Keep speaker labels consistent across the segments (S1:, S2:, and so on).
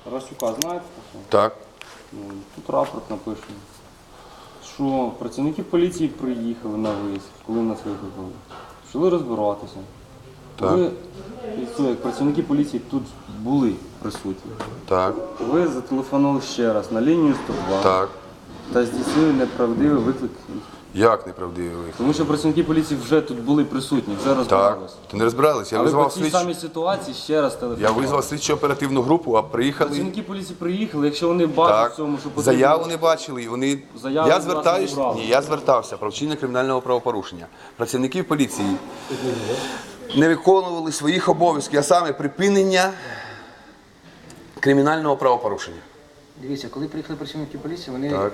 S1: Тарасюка знаєте?
S2: Так.
S1: Тут рапорт напишемо, що працівники поліції приїхали на виїзд, коли нас викликали. Почали розбиратися.
S2: Так.
S1: Ви, як працівники поліції тут були присутні.
S2: Так.
S1: Ви зателефонували ще раз на лінію 102
S2: Так.
S1: та здійснили неправдивий виклик.
S2: Як неправдивий виклик?
S1: Тому що працівники поліції вже тут були присутні, вже
S2: Так.
S1: розбиралися.
S2: Ти не розбиралися? Я
S1: Але по
S2: визвав
S1: цій самій ситуації ще раз
S2: Я
S1: телефонували.
S2: визвав слідчо оперативну групу, а приїхали.
S1: Працівники поліції приїхали, якщо вони бачать в цьому, що потрібно...
S2: Заяву не бачили, і вони.
S1: Заяву
S2: Я
S1: від
S2: звертаюся,
S1: вас не брали.
S2: я звертався про вчинення кримінального правопорушення. Працівники поліції не виконували своїх обов'язків, а саме припинення кримінального правопорушення.
S3: Дивіться, коли приїхали працівники поліції, вони
S2: Так.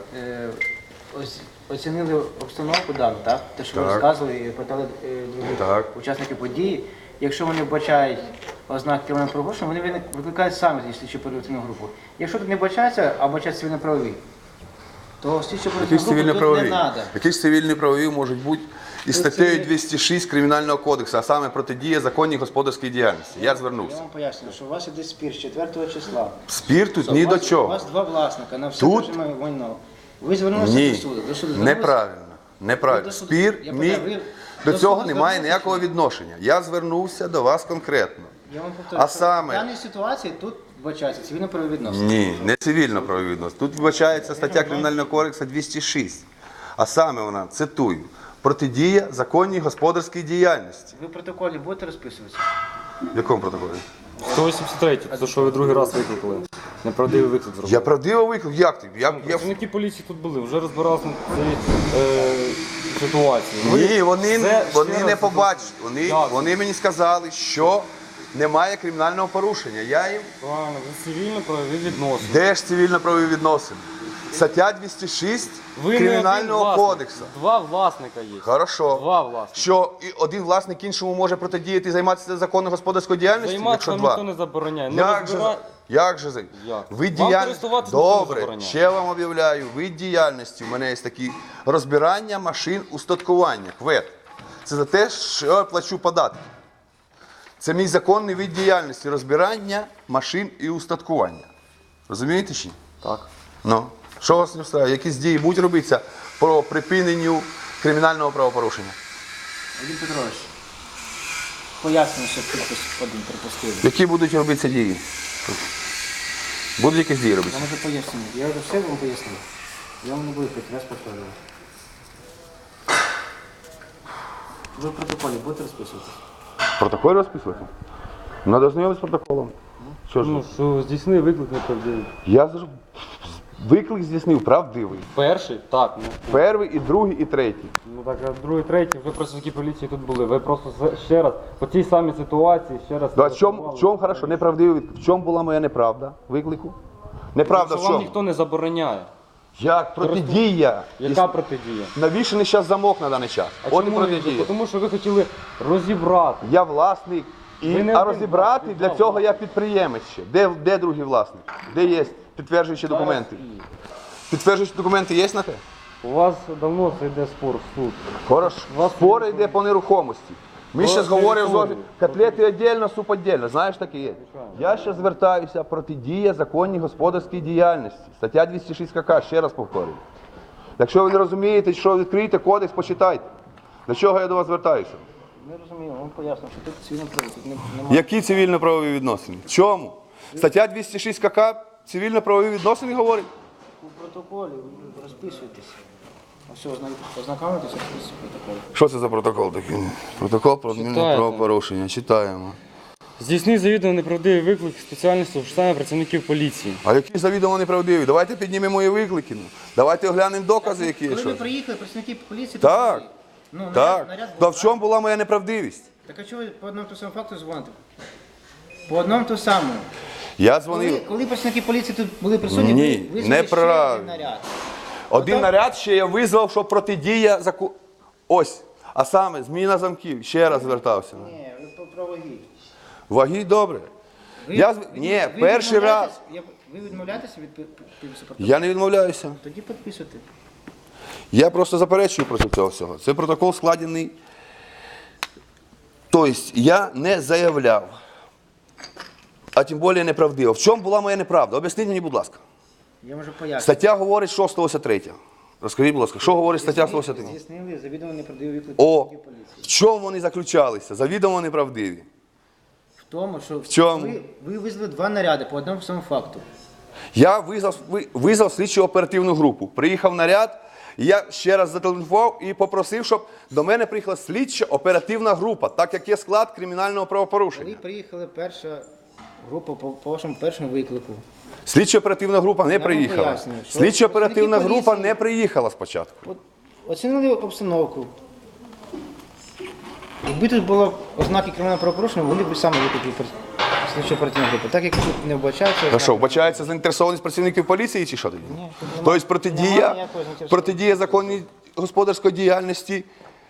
S3: оцінили обстановку дану, так? Те, що ви
S2: Так.
S3: розказували, і питали других
S2: Так.
S3: учасників події. Якщо вони вбачають ознак кримінального правопорушення, вони викликають самі слідчу оперативну групу. Якщо тут не вбачається, а вбачають цивільно-правові, то слідчу
S2: Які
S3: оперативну
S2: ж
S3: групу тут не
S2: цивільно-правові?
S3: треба.
S2: Які ж цивільно-правові можуть бути із статтею 206 Кримінального кодексу, а саме протидія законній господарській діяльності. Я
S3: Я
S2: звернувся.
S3: вам пояснюю, що у вас іде спір з 4 числа.
S2: Спір тут ні до
S3: У
S2: чого.
S3: вас два власника на все
S2: Тут?
S3: проживає майно. Ви звернулися
S2: Ні,
S3: до суду. До суду звернулися?
S2: неправильно. Неправильно.
S3: до суду.
S2: Спір
S3: Я
S2: мій
S3: питаю, ви
S2: до
S3: до
S2: цього
S3: суду
S2: немає
S3: звернулися
S2: ніякого
S3: чи ні?
S2: відношення. Я звернувся до вас конкретно.
S3: Я вам повторюю,
S2: А
S3: що
S2: саме-
S3: в даній ситуації тут вбачається цивільно-правові відносини.
S2: Ні, не цивільно-правові відносини. Тут вбачається стаття Кримінального кодексу 206. А саме вона, цитую, протидія законній господарській діяльності.
S3: Ви в протоколі будете розписуватися?
S2: В якому протоколі?
S1: 183, то що ви другий раз викликали. Неправдивий виклик зробили.
S2: Я правдиво виклик. Як ти? Я...
S1: Працівники поліції тут були, вже розбиралися на цій ситуації. Ви
S2: Ні, вони
S1: ще
S2: не
S1: раз
S2: побачили.
S1: Як?
S2: Вони мені сказали, що немає кримінального порушення. Я їм...
S1: Правильно, ви цивільно-правові відносини.
S2: Де ж цивільно-правові відносини? Стаття 206
S1: Ви не
S2: Кримінального
S1: один власник.
S2: кодексу.
S1: Два власника є.
S2: Хорошо.
S1: Два власника.
S2: Що і один власник іншому може протидіяти і займатися законною господарською діяльністю?
S1: Займатися
S2: якщо
S1: вам
S2: два?
S1: ніхто не забороняє. Не
S2: Як же,
S1: розбира-
S2: як же?
S1: Як?
S2: Ви
S1: Вам
S2: діяльність...
S1: користуватися ніхто не
S2: Добре,
S1: забороняє.
S2: ще вам об'являю. Вид діяльності, у мене є такі розбирання машин устаткування, КВЕД. Це за те, що я плачу податки. Це мій законний вид діяльності, розбирання машин і устаткування. Розумієте чи ні?
S1: Так.
S2: Ну, що вас не встрає? Якісь дії будуть робитися по припиненню кримінального правопорушення?
S3: Вадим Петрович, пояснюю, що підпис один припустили.
S2: Які будуть робитися дії? Будуть якісь дії
S3: Я
S2: робитися?
S3: можу пояснити. Я вже все вам пояснив. Я вам не буду хоч раз повторювати. Ви в протоколі будете розписуватися?
S2: Протокол розписувати? Надо ознайомитися з протоколом. Що ж?
S1: Ну, що здійснив виклик неправдивий.
S2: Я виклик здійснив правдивий.
S1: Перший? Так. Ну,
S2: Перший, і другий, і третій.
S1: ну так, а другий, третій, вже працівники поліції тут були. Ви просто ще раз, по цій самій ситуації, ще раз...
S2: Да, в чому хорошо, неправдивий виклик? В чому була моя неправда виклику? Неправда в
S1: Що вам
S2: чому?
S1: ніхто не забороняє.
S2: Як протидія?
S1: Яка протидія?
S2: Навішений зараз замок на даний час. От і
S1: чому ви-
S2: протидія.
S1: Тому що ви хотіли розібрати.
S2: Я власник.
S1: Ви не
S2: А
S1: один
S2: розібрати
S1: власник,
S2: для
S1: два
S2: цього я підприємець ще. Де другий власник? Де є підтверджуючі документи? Підтверджуючі документи є на те?
S1: У вас давно це йде спор в суд.
S2: Хорошо.
S1: Вас
S2: Спори йде по нерухомості. Ми
S1: По
S2: зараз говоримо
S1: території.
S2: котлети віддільно, суп віддільно. Знаєш, таке є. Я ще звертаюся протидія законній господарській діяльності. Стаття 206 КК, ще раз повторюю. Якщо ви не розумієте, що відкрийте кодекс, почитайте. Для чого я до вас звертаюся?
S3: Не розумію, вам поясню, що тут цивільно-правові, тут немає.
S2: Які цивільно-правові відносини? Чому? Стаття 206 КК цивільно-правові відносини говорить?
S3: У протоколі ви розписуєтесь. Все, ознакомитися, розписуйте протокол.
S2: Що це за протокол такий? Протокол про адмінне
S1: Читайте.
S2: правопорушення. Читаємо.
S1: Здійснив завідомо неправдивий виклик спеціальністю штабу працівників поліції.
S2: А які завідомо неправдиві? Давайте піднімемо мої виклики. Давайте оглянемо докази, які є.
S3: Коли ви
S2: Що.
S3: приїхали, працівники поліції...
S2: Так.
S3: тут були. Ну,
S2: Так.
S3: наряд
S2: Та
S3: був,
S2: в чому була моя неправдивість?
S3: Так а чого ви по одному ту самому факту дзвоните? По одному ту самому.
S2: Я дзвонив.
S3: Коли працівники поліції тут були присутні,
S2: Ні,
S3: ви визвали ще
S2: неправильно.
S3: один наряд.
S2: Один
S3: Отак.
S2: наряд ще я визвав, що протидія закону. Ось. А саме, зміна замків. Ще раз звертався.
S3: Ні, ви про ваги.
S2: Ваги добре. Ні, перший раз.
S3: Ви відмовляєтеся від підпису протоколу?
S2: Я не відмовляюся.
S3: Тоді підписуйте.
S2: Я просто заперечую проти цього всього. Це протокол складений. Тобто я не заявляв а тим більше неправдива. В чому була моя неправда? Об'ясніть мені, будь ласка.
S3: Я можу пояснити.
S2: Стаття говорить, що 183. Розкажіть, будь ласка, що говорить стаття 183?
S3: Здійснили завідомо неправдиві виклики
S2: О,
S3: поліції.
S2: в чому вони заключалися? Завідомо неправдиві.
S3: В тому, що
S2: чому?
S3: ви визвали 2 наряди по одному самому факту.
S2: Я визвав слідчу оперативну групу. Приїхав наряд, і я ще раз зателефонував і попросив, щоб до мене приїхала слідча оперативна група, так як є склад кримінального
S3: Коли
S2: правопорушення.
S3: приїхала перша група по вашому першому виклику,
S2: Слідча оперативна група не
S3: вам
S2: приїхала.
S3: пояснюю, що
S2: Слідча оперативна
S3: працівники
S2: група
S3: поліції-
S2: не приїхала спочатку.
S3: оцінили обстановку. Якби тут було ознаки кримінального правопорушення, вони б самі викликали слідчу оперативну групу. Так як тут не вбачається...
S2: А що, вбачається заінтересованість працівників поліції чи що тоді?
S3: Ні, тут немає-
S2: Тобто протидія,
S3: немає ніякої заінтересованості.
S2: протидія законній господарської діяльності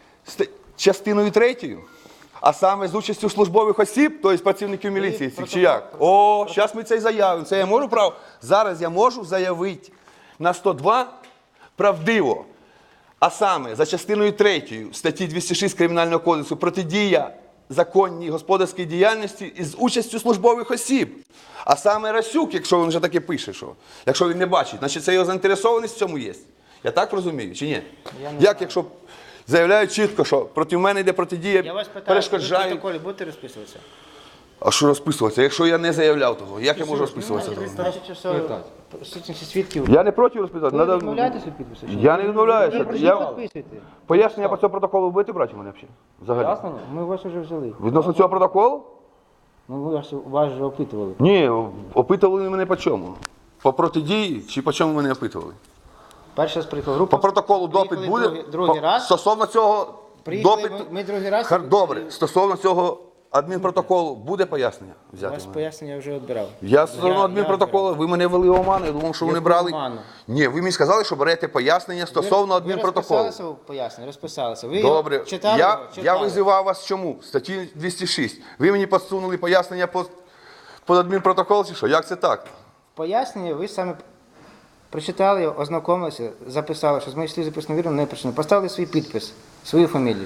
S2: частиною 3, а саме з участю службових осіб, тобто працівників міліції цих, чи як? О, зараз ми це і заявимо. Це я можу право? Зараз я можу заявити на 102 правдиво. А саме за частиною 3 статті 206 Кримінального кодексу протидія законній господарській діяльності із участю службових осіб. А саме Расюк, якщо він вже таке пише, що якщо він не бачить, значить це його заінтересованість в цьому є. Я так розумію, чи ні? Як якщо заявляють чітко, що проти мене йде протидія,
S3: Я вас питаю, ви в
S2: перешкоджають.
S3: протоколі будете розписуватися?
S2: А що розписуватися? Якщо я не заявляв того, як я можу розписуватися? того?
S3: Значить, що сутності свідків.
S2: Я не проти розписувати.
S3: Ви
S2: Надо...
S3: відмовляєтеся від підпису? чи ні?
S2: Я не відмовляюся.
S3: Ви
S2: Я...
S3: підписуєте.
S2: Пояснення по цьому протоколу будете брати у мене взагалі? Взагалі?
S1: Ясно?
S3: Ми вас вже взяли.
S2: Відносно цього протоколу?
S3: Ну, вас вже опитували.
S2: Ні, опитували мене по чому? По протидії чи по чому мене опитували?
S3: Перший раз приїхала група.
S2: По протоколу допит
S3: Приїхали
S2: буде?
S3: другий раз.
S2: Стосовно цього
S3: Приїхали
S2: допиту?
S3: ми другий раз.
S2: Добре, стосовно цього адмінпротоколу буде пояснення
S3: У
S2: взяти?
S3: вас
S2: в мене?
S3: пояснення вже відбирав.
S2: Я стосовно адмінпротоколу, ви мене вели в оману, я думав, що ви не
S3: Яку
S2: брали.
S3: оману?
S2: Ні, ви мені сказали, що берете пояснення стосовно
S3: Ви
S2: адмінпротоколу.
S3: розписалися у поясненні? Розписалися. Ви
S2: Добре,
S3: читали?
S2: я
S3: його? Читали.
S2: визивав вас чому? Статті 206. Ви мені підсунули пояснення по адмінпротоколу чи що? Як це так?
S3: Пояснення ви саме прочитали, його, ознакомилися, записали, що з моїх слів записано вірно, не прочитано. Поставили свій підпис, свою фамілію.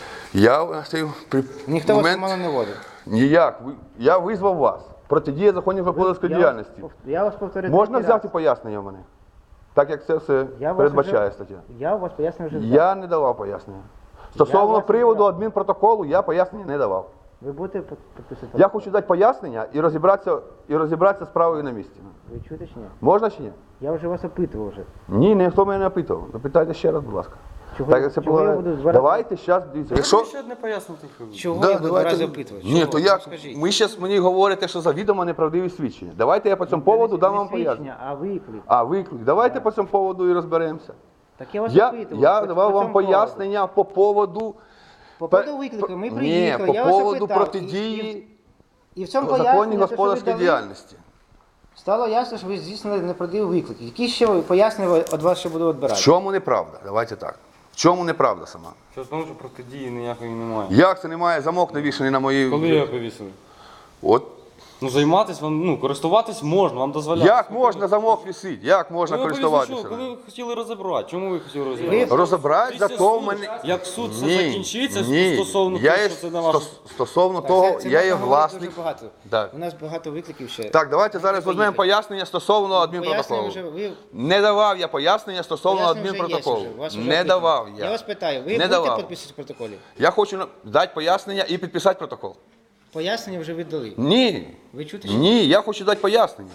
S2: Я при
S3: Ніхто вас
S2: момент...
S3: мало не водив.
S2: Ніяк. Я визвав вас. Протидія законів господарської діяльності.
S3: Я вас повторю.
S2: Можна
S3: третій
S2: взяти
S3: раз.
S2: пояснення в мене? Так як це все
S3: Я вас
S2: передбачає
S3: вже-
S2: стаття.
S3: Я у вас пояснення вже взяв.
S2: Я не давав пояснення. Стосовно
S3: вас
S2: приводу
S3: відбирав.
S2: адмінпротоколу я пояснення не давав.
S3: Ви будете підписувати?
S2: Я хочу дати пояснення і розібратися з справою на місці.
S3: Ви чуєте чи ні?
S2: Можна чи ні?
S3: Я вже вас опитував вже.
S2: Ні, ніхто мене не опитував. Запитайте ще раз, будь ласка.
S3: Чого-
S2: Так, як це
S3: чого я
S2: полагає.
S3: буду два рази-
S2: Давайте зараз дивіться. Якщо...
S1: Ще одне пояснити.
S3: Чого
S2: Да,
S3: я буду
S2: давайте.
S3: раз опитувати?
S2: Ні,
S3: Чого?
S2: то як?
S3: Скажіть.
S2: Ви зараз мені говорите, що завідомо неправдиві свідчення. Давайте я по цьому поводу дам вам пояснення.
S3: свідчення, а виклик.
S2: А, виклик. Давайте по цьому поводу і розберемося.
S3: Так я вас
S2: Я
S3: опитував.
S2: давав
S3: по
S2: вам
S3: цьому
S2: пояснення по поводу...
S3: По поводу виклику ми приїхали,
S2: Ні,
S3: я
S2: по
S3: вас
S2: поводу
S3: опитав.
S2: протидії
S3: І в цьому
S2: законній
S3: поясненні, те, що ви
S2: господарської
S3: дали,
S2: діяльності.
S3: стало ясно, що ви здійснили неправдивий виклик. Які ще пояснення від вас ще буду
S2: В
S3: відбирати?
S2: чому неправда? Давайте так. В чому неправда сама?
S1: Що тому, що протидії ніякої немає.
S2: Як це немає замок навішаний на мої...
S1: Коли його повісили?
S2: От.
S1: Ну займатися вам, ну користуватись можна, вам дозволяють.
S2: Як можна замок вісити? Як можна
S1: Коли ви
S2: користуватися?
S1: коли ви хотіли розібрати? Чому ви хотіли розібрати?
S2: Розібрати
S1: Після
S2: зато в
S1: суду,
S2: мене...
S1: Як суд все
S2: Ні,
S1: закінчиться
S2: ні.
S1: стосовно
S2: Я
S1: того,
S2: є
S1: що це на вашу...
S2: Стосовно того,
S3: Це
S2: я є
S3: можна говорити
S2: власник.
S3: дуже багато.
S2: Так.
S3: У нас багато викликів ще.
S2: Так, давайте зараз візьмемо пояснення стосовно адмінпротоколу.
S3: Пояснення вже ви...
S2: Не давав я пояснення стосовно
S3: Пояснення вже є,
S2: адмінпротоколу.
S3: вже, вас вже
S2: Не
S3: опитано.
S2: давав
S3: Я
S2: я.
S3: вас питаю, ви
S2: Не
S3: будете
S2: давав.
S3: підписувати в протоколі?
S2: Я хочу дати пояснення і підписати протокол.
S3: Пояснення вже віддали.
S2: Ні.
S3: Ви чуєте? чи
S2: Ні, я хочу дати пояснення.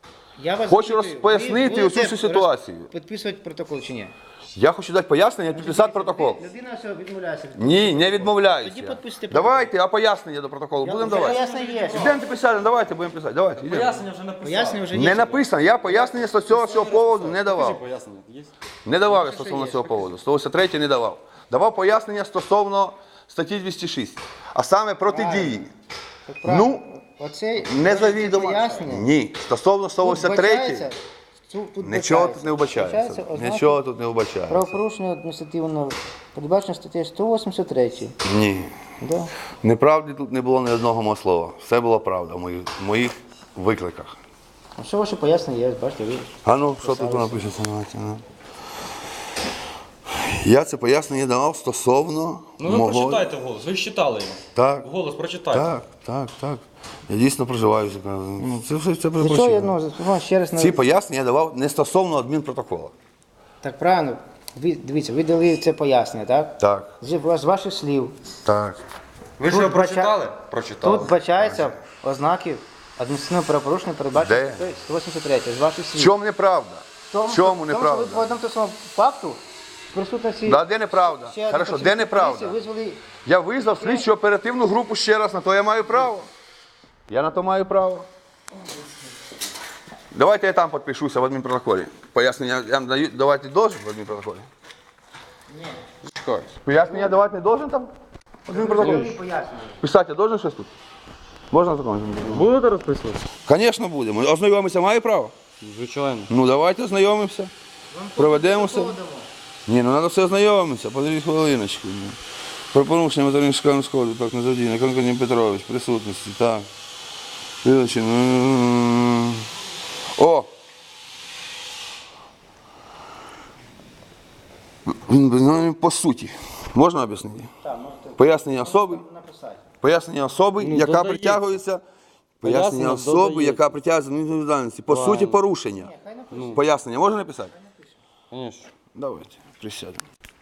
S3: Я вас
S2: Хочу
S3: запитую,
S2: пояснити
S3: ви
S2: усю
S3: будете
S2: цю ситуацію.
S3: Підписувати протокол чи ні?
S2: Я хочу дати пояснення і підписати протокол.
S3: Людина все відмовляється.
S2: Ні, не відмовляюся.
S3: Тоді підписуйте протокол.
S2: Давайте, а пояснення до протоколу будемо давати.
S3: Пояснення є.
S2: Йдемо писати, давайте будемо писати. Давайте, йдемо.
S1: Пояснення вже написали.
S3: Пояснення вже є.
S2: Не написано, я пояснення стосовно цього поводу не давав.
S1: Пояснення є?
S2: Не давав я стосовно цього поводу. 183 не давав. Давав пояснення стосовно статті 206. А саме протидії. Ну,
S3: Оце
S2: незавідомо.
S3: пояснення.
S2: Ні. Стосовно 183 нічого тут не вбачається. Нічого тут не вбачається.
S3: Правопорушення адміністративного передбачено статтею 183.
S2: Ні.
S3: Да.
S2: Неправди тут не було ні одного мого слова. Все було правда в моїх викликах.
S3: А що ваше пояснення є? Бачите, ви.
S2: А ну, що тут напишеться? Давайте, ну. Я це пояснення давав стосовно
S4: Ну ви
S2: мого...
S4: прочитайте вголос, ви ж читали його.
S2: Так,
S4: Вголос прочитайте.
S2: так. Я дійсно проживаю в Закарпатті. Ну, це все
S3: Для чого
S2: прочитано.
S3: я ще раз
S2: Ці пояснення я давав не стосовно адмінпротоколу.
S3: Так правильно. Дивіться, ви дали це пояснення, так?
S2: Так,
S3: З ваших слів.
S2: так.
S4: Ви ж
S3: Тут
S4: його прочитали?
S3: бача-
S4: Прочитали.
S3: Тут бачаються ознаки адміністративного правопорушення, передбачені
S2: Де?
S3: 183 з ваших
S2: В
S3: слів.
S2: чому неправда? В чому
S3: Тому що ви
S2: неправда?
S3: по одному тому самому факту в присутності...
S2: Да, де неправда?
S3: ще одного
S2: Хорошо, де
S3: працівника
S2: неправда?
S3: поліції визвали...
S2: Я визвав слідчу оперативну групу ще раз, на то я маю право. Я на то маю право. Давайте я там підпишуся в адмінпротоколі. Пояснення я вам даю, давати должен в адмінпротоколі? Ні. Чекайте. Пояснення давати не должен там? В адмінпротоколі? Писати я должен щось тут? Можна законом?
S1: Будете розписувати?
S2: Звісно, будемо. Ознайомитися маю право?
S1: Звичайно.
S2: Ну давайте ознайомимося. Проведемося. Ні, ну треба все ознайомитися. Подивіть хвилиночку. Про порушення материнського сходу, так, не задійне. Конкурент Петрович, присутності, так. Вилучено. О! Він по суті. Можна об'яснити?
S3: Так, можете
S2: Пояснення особи.
S3: написати.
S2: Пояснення особи,
S1: Ну,
S2: яка
S1: додається.
S2: притягується. Пояснення
S1: Пояснення
S2: особи,
S1: додається.
S2: яка притягується до відповідальності. По суті,
S1: Правильно.
S2: порушення. Пояснення можна написати?
S1: Звісно.
S2: Давайте, присядемо.